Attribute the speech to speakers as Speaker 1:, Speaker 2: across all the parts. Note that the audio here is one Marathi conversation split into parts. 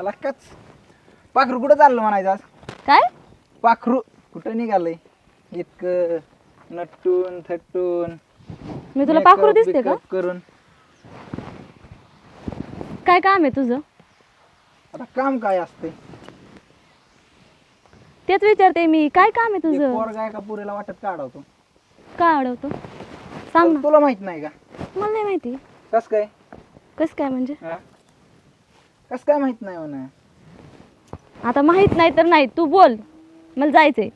Speaker 1: आला कच. पाखरू कुठं चाललं म्हणायचं आज?
Speaker 2: काय
Speaker 1: पाखरू कुठं निघालंय इतकं नटून थटून
Speaker 2: मी तुला पाखरू दिसते का?
Speaker 1: करून
Speaker 2: काय काम आहे तुझं?
Speaker 1: आता काम काय असते?
Speaker 2: तेच विचारते मी, काय काम आहे तुझं?
Speaker 1: पोरगा एका पुरीला वाटत काढवतो.
Speaker 2: काय अडवतो सांग ना.
Speaker 1: तुला माहित नाही का?
Speaker 2: मला नाही माहिती.
Speaker 1: कस काय?
Speaker 2: कस काय म्हणजे?
Speaker 1: कस काय माहित नाही म्हणा.
Speaker 2: आता माहित नाही तर नाही, तू बोल, मला जायचंय.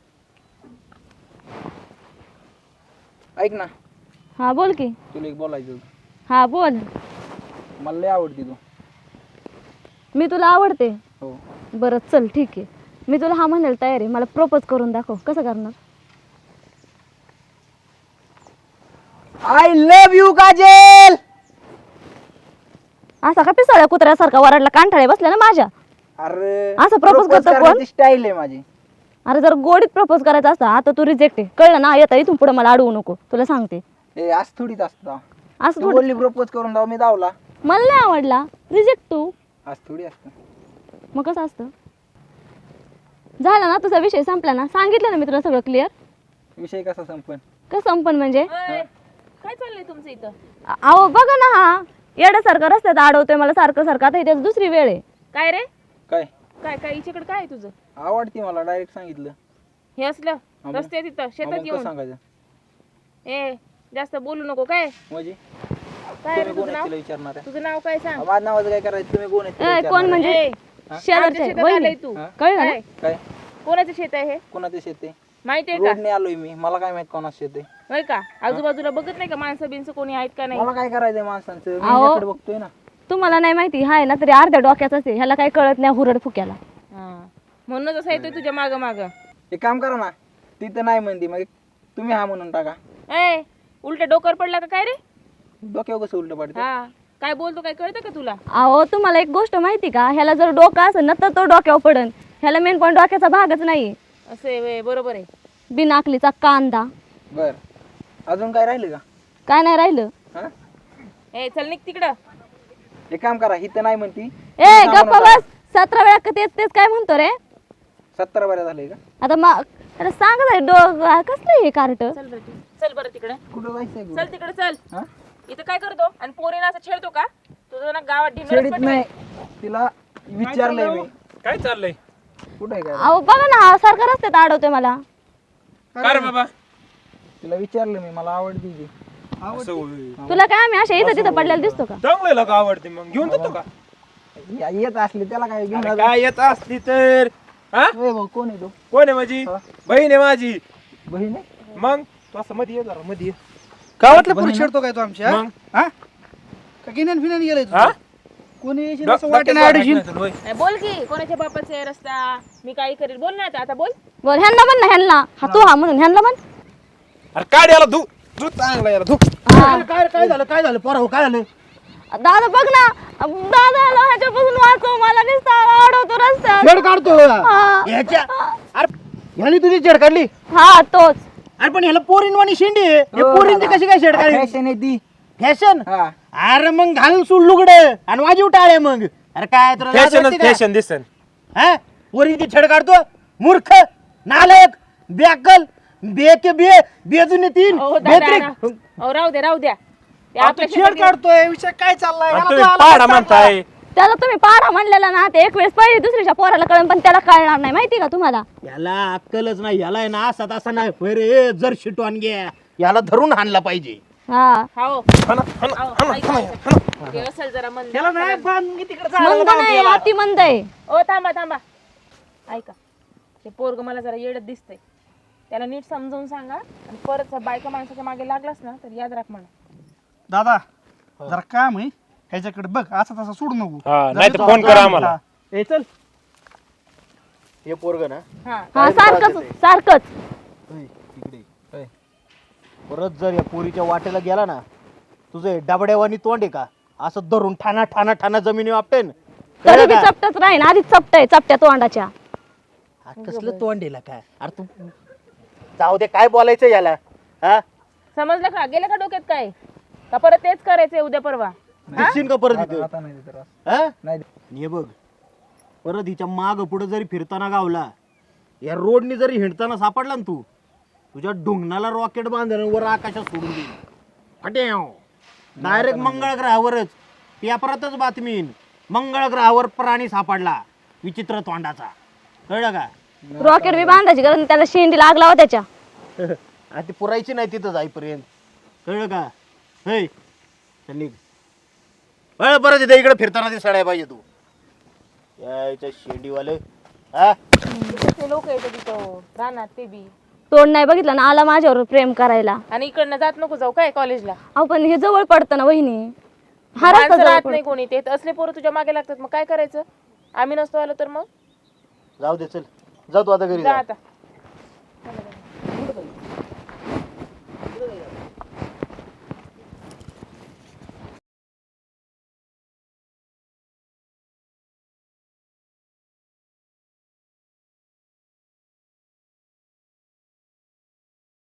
Speaker 1: ऐक ना,
Speaker 2: हा बोल की.
Speaker 1: तुला एक बोलायचं होतं.
Speaker 2: हा बोल.
Speaker 1: मला लय आवडती तू.
Speaker 2: मी तुला आवडते?
Speaker 1: हो.
Speaker 2: बरं चल ठीक आहे, मी तुला हा म्हणायला तयार आहे. मला प्रपोज करून दाखव, कसं करणार?
Speaker 1: I love you Kajal.
Speaker 2: असा का पिसाळ्या कुत्र्यासारखा वराडला कांठाळे बसल्या ना माझ्या?
Speaker 1: अरे
Speaker 2: असं प्रपोज करतो कोण?
Speaker 1: स्टाईल आहे माझी.
Speaker 2: अरे जर गोडीत प्रपोज करायचा असता, आता तू रिजेक्ट आहे, कळलं ना? येता इथून पुढे मला अडवू नको, तुला सांगते.
Speaker 1: ए आज थोडीच असतं.
Speaker 2: असं
Speaker 1: तू
Speaker 2: थोडी.
Speaker 1: बोलली प्रपोज करून दाव, मी दावला.
Speaker 2: मला नाही आवडला, रिजेक्ट तू.
Speaker 1: आज थोडी असतं.
Speaker 2: मग कसं असतं? झाला ना तुझा विषय, संपला ना? सांगितलं ना मी तुला सगळं क्लिअर.
Speaker 1: विषय कसा संपन?
Speaker 2: कसं संपन म्हणजे?
Speaker 3: काय चाललंय तुमचं इथं?
Speaker 2: अहो बघा ना, हा येड्यासारखा रस्त्यात अडवतोय मला सारखं सारखं. आता इथे दुसरी वेळ आहे.
Speaker 3: काय रे?
Speaker 1: काय
Speaker 3: काय काय हिच्याकडे काय आहे तुझं?
Speaker 1: आवडती मला, डायरेक्ट सांगितलं.
Speaker 3: हे असलं
Speaker 1: मग?
Speaker 3: रस्त्यात इथं शेतात
Speaker 1: मग कसं
Speaker 3: येऊन
Speaker 1: सांगायचं
Speaker 3: ए जास्त बोलू नको. काय
Speaker 1: म्हणजे?
Speaker 3: काय रे
Speaker 1: तुम्ही कोण
Speaker 3: तुझं
Speaker 1: आहेत
Speaker 3: नाव?
Speaker 1: तिला विचारणार आहे?
Speaker 3: तुझं नाव काय सांग?
Speaker 1: माझं नावाचं काय करायचं? तुम्ही कोण आहेत तिला
Speaker 2: ए, कोण
Speaker 1: विचारणार
Speaker 2: म्हणजे?
Speaker 3: ए,
Speaker 2: शेजारचे
Speaker 3: आमच्या शेतात
Speaker 2: वहिनी.
Speaker 3: आलाय तू.
Speaker 1: हा?
Speaker 2: कळलं ना?
Speaker 3: काय?
Speaker 1: आहे? काय
Speaker 3: कोणाचं शेत आहे हे?
Speaker 1: कोणाचं शेत आहे?
Speaker 3: माहितीये का?
Speaker 1: रोडने आलोय मी, मला काय माहित कोणाचं शेत आहे?
Speaker 3: होय का? आजूबाजूला बघत नाही का माणसं बिनसं कोणी आहेत का नाही?
Speaker 1: मला काय करायचंय माणसांचं? मी
Speaker 2: अहो.
Speaker 1: याकडे बघतोय ना.
Speaker 2: तुम्हाला नाही माहिती, हाय ना तरी अर्ध्या डोक्याचाच आहे. ह्याला काही कळत नाही हुरड फुक्याला.
Speaker 3: हा. म्हणूनच असं येतोय तुझ्या माग माग.
Speaker 1: एक काम करा ना, ती तर नाही म्हणती, मग तुम्ही हा म्हणून टाका.
Speaker 3: ए उलट डोकर पडला का काय रे?
Speaker 1: डोक्यावर कसं उलट पडतं?
Speaker 3: हा काय बोलतो काय कळतं का तुला?
Speaker 2: अहो तुम्हाला एक गोष्ट माहिती का? ह्याला जर डोकं असेल ना तर तो डोक्यावर पडन. ह्याला मेन पॉईंट डोक्याचा भागच नाही.
Speaker 3: असं आहे व्हय, बरोबर आहे.
Speaker 2: बिनाकलीचा कांदा.
Speaker 1: बर, अजून काय राहिलं का?
Speaker 2: काय नाही राहिलं.
Speaker 1: हा?
Speaker 3: ए चल निघ तिकडं.
Speaker 1: एक काम करा, ही तर नाही म्हणती.
Speaker 2: ए गप्पा बस. 17 वेळा तेच तेच काय म्हणतो रे?
Speaker 1: 17 बऱ्या झालंय का?
Speaker 2: आता अरे सांग कसलं हे कार्ट?
Speaker 3: चल बरं चल बरं तिकडे.
Speaker 1: कुठं जायचंय? कुठं?
Speaker 3: चल तिकडे चल.
Speaker 1: हा?
Speaker 3: इथं काय करतो आणि पोरीना असं छेडतो का? तुझं ना गावात
Speaker 1: शेडीत
Speaker 3: ढिंगळच
Speaker 1: नाही, तिला विचारलंय मी.
Speaker 4: काय चाललंय?
Speaker 1: कुठं आहे काय?
Speaker 2: अहो बघा ना, हा सारखा रस्त्यात अडवतोय मला.
Speaker 4: काय रे बाबा?
Speaker 1: तिला विचारलं मी, मला आवडती ती.
Speaker 4: असं होय.
Speaker 2: तुला काय आम्ही अशा इथं तिथं पडलेला दिसतो का?
Speaker 4: चांगलं लोक आवडते, मग घेऊन जातो का?
Speaker 1: येत असली त्याला काय घेऊन
Speaker 4: अरे
Speaker 1: जातो.
Speaker 4: काय येत असली तर हा?
Speaker 1: ए भाऊ, कोण आहे तो?
Speaker 4: कोण आहे माझी
Speaker 1: हा?
Speaker 4: बहीण आहे माझी.
Speaker 1: बहीण आहे?
Speaker 4: मग तू असं मध्ये ये जरा मध्ये ये.
Speaker 5: गावातल्या पुरुष छेडतो काय तो आमच्या
Speaker 4: मग
Speaker 5: हा का गिन्यान फिन्यान गेलाय
Speaker 4: हा?
Speaker 5: कोणी येशील
Speaker 4: डो-
Speaker 5: असं वाटेनं
Speaker 4: डोक्यात
Speaker 5: अडशील
Speaker 4: वाटत नाही तुला, होय.
Speaker 3: नाही, बोल की कोणाच्या बापाचा आहे रस्ता? मी काही करेल बोल ना आता बोल.
Speaker 2: बोल ह्यांना म्हण ना, ह्यांना. हा तू हा म्हणून ह्यांना म्हण.
Speaker 4: अरे काढ याला धू धू चांगला याला धू.
Speaker 2: हा.
Speaker 5: काय झालं पोरा काय झालं
Speaker 2: दादा बघ ना, दादा ह्याच्यापासून वाचव मला, नुसता अडवतो रस्त्यात.
Speaker 5: छेड काढतो
Speaker 2: हा.
Speaker 5: ह्याच्या अरे ह्याने तुझी छेड काढली
Speaker 2: हा तोच.
Speaker 5: अरे पण ह्याला पोरीनवाणी शेंडी आहे. हे पोरींची कशी काय छेड काढली
Speaker 1: फॅशन आहे ती.
Speaker 5: फॅशन
Speaker 1: हा.
Speaker 5: अरे मग घाल सूड लुगड आणि वाजीव टाळे मग. अरे काय तुला लाज
Speaker 4: फॅशनच
Speaker 5: वाटते का?
Speaker 4: फॅशन दिसन.
Speaker 5: हा पोरींची छेड काढतो मूर्ख नालायक बेअक्कल बेके बे बेजुने तीन
Speaker 3: ओ दादा
Speaker 5: बेत्रिक.
Speaker 3: ओ राहू द्या. ते
Speaker 5: आता
Speaker 3: आपल्या
Speaker 5: छेड
Speaker 3: शेतात
Speaker 5: काढतोय विषय काय चाललाय
Speaker 4: आणि
Speaker 5: याला
Speaker 4: तुम्ही
Speaker 5: तो आला
Speaker 4: पाडा
Speaker 5: चांगला.
Speaker 4: म्हणताय.
Speaker 2: त्याला तुम्ही पाडा म्हणलेला ना, ते एक वेळेस पहिली दुसरीच्या पोराला कळण, पण त्याला कळणार नाही. माहिती का तुम्हाला?
Speaker 5: याला अक्कलच नाही याला आहे ना असा तसा नाही होय रे जर शिटवान घ्या याला धरून हाणला पाहिजे
Speaker 2: हा
Speaker 3: हाओ
Speaker 4: हाणा, हाणा, हाणा, हाणा, हाणा.
Speaker 3: ते असेल जरा मन.
Speaker 5: त्याला नाही बांधून तिकडे
Speaker 2: मंद नाही, अति मंद आहे.
Speaker 3: ओ थांबा ऐका, ते पोरग मला जरा येडत दिसतंय. त्याला नीट समजावून सांगा आणि परत बायका माणसाच्या मागे लागलास ना तर याद राख म्हणा.
Speaker 5: दादा जरा काम आहे ह्याच्याकडे बघ असा तसा सोडू नको
Speaker 4: हा, नाही तर फोन करा आम्हाला.
Speaker 5: ए चल हे पोरग ना
Speaker 3: हा
Speaker 2: हा सारखंच.
Speaker 5: इकडे परत जर या पोरीच्या वाटेला गेला ना तुझे डबड्यावानी तोंड आहे का असं धरून ठाणा ठाणा ठाणा जमिनी वापटेन
Speaker 2: तरी बी चपटच राहीन. आधीच चपटय चपट्या तोंडाच्या.
Speaker 5: कसलं तोंड आहे काय अरे तू जाऊ दे काय बोलायचं याला हा
Speaker 3: समजलं का? गेलं का डोक्यात काय? का परत तेच करायचंय उद्या परवा?
Speaker 5: दिसशील का परत
Speaker 1: आता
Speaker 5: इथं
Speaker 1: आता नाही देत राव.
Speaker 5: हा?
Speaker 1: नाही देत.
Speaker 5: हे बघ परत हिच्या माग पुढे जरी फिरताना गावला, या रोडनी जरी हिंडताना सापडला ना तू, तुझ्या ढुंगणाला रॉकेट बांधून वर आकाशात सोडून देईल. हट्याव डायरेक्ट मंगळ ग्रहावरच पेपरातच बातमी येईन, मंगळ ग्रहावर प्राणी सापडला विचित्र तोंडाचा. कळलं का?
Speaker 2: रॉकेट बी बांधायची गरज नाही, त्याला शेंडी लागला हो त्याच्या.
Speaker 5: आणि ती पुरायची नाही तिथं जाईपर्यंत. कळलं का? हे चल निघ. परत इथे इकडे फिरताना ते सडाय पाहिजे तू. यायच्या शेंडीवाले हा.
Speaker 3: ते लोक येतात तिथं राहणार ते बी.
Speaker 2: तोंड नाही बघितलं ना, आला माझ्यावर प्रेम करायला.
Speaker 3: आणि इकडनं जात नको जाऊ काय कॉलेजला.
Speaker 2: अहो पण हे जवळ पडतं ना वहिनी, हा रस्ता
Speaker 3: माणसं
Speaker 2: जवळ
Speaker 3: राहत
Speaker 2: पडतो.
Speaker 3: नाही कोणी, ते असले पोरं तुझ्या मागे लागतात, मग काय करायचं? आम्ही नसतो आलो तर मग
Speaker 5: जाऊ दे चल, जा तू आता घरी
Speaker 3: जा
Speaker 5: जा.
Speaker 3: आता.